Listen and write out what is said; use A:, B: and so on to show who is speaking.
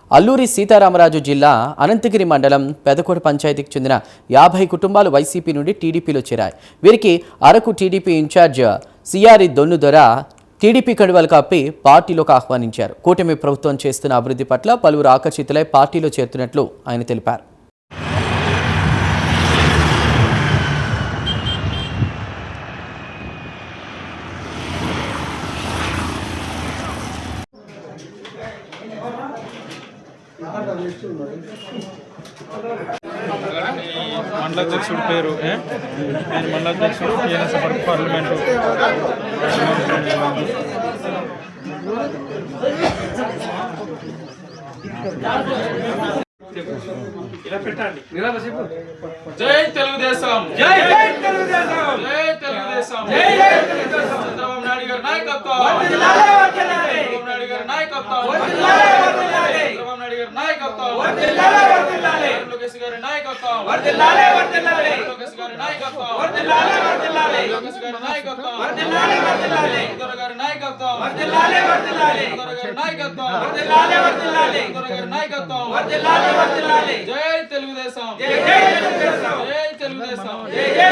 A: అల్లూరి సీతారామరాజు జిల్లా అనంతగిరి మండలం పెదకోట పంచాయతీకి చెందిన 50 కుటుంబాలు వైసీపీ నుండి టీడీపీలో చేరాయి. వీరికి అరకు టీడీపీ ఇన్ఛార్జ్ సిఆర్ఈ దొన్నుదొర టీడీపీ కండువాలు కప్పి పార్టీలోకి ఆహ్వానించారు. కూటమి ప్రభుత్వం చేస్తున్న అభివృద్ధి పట్ల పలువురు ఆకర్షితులై పార్టీలో చేరుతున్నట్లు ఆయన తెలిపారు.
B: మండలాధ్యక్షుడి పేరు నేను మండలాధ్యక్షుడు టీఎన్ఎస్ పార్లమెంటు జై తెలుగుదేశం జై తెలుగుదేశం జై తెలుగుదేశం జై తెలుగుదేశం చంద్రబాబు నాయుడు గారి నాయకత్వం వర్ధిల్లాలి వర్ధిల్లాలి చంద్రబాబు నాయుడు గారి నాయకత్వం వర్ధిల్లాలి వర్ధిల్లాలి చంద్రబాబు నాయుడు గారి నాయకత్వం వర్ధిల్లాలి వర్ధిల్లాలి లోకేష్ గారి నాయకత్వం వర్ధిల్లాలి వర్ధిల్లాలి లోకేష్ గారి నాయకత్వం వర్ధిల్లాలి వర్ధిల్లాలి లోకేష్ గారి నాయకత్వం వర్ధిల్లాలి వర్ధిల్లాలి చంద్ర గారి నాయకత్వం వర్ధిల్లాలి వర్ధిల్లాలి చంద్ర గారి నాయకత్వం వర్ధిల్లాలి వర్ధిల్లాలి చంద్ర గారి నాయకత్వం వర్ధిల్లాలి వర్ధిల్లాలి జై తెలుగుదేశం జై తెలుగుదేశం జై తెలుగుదేశం జై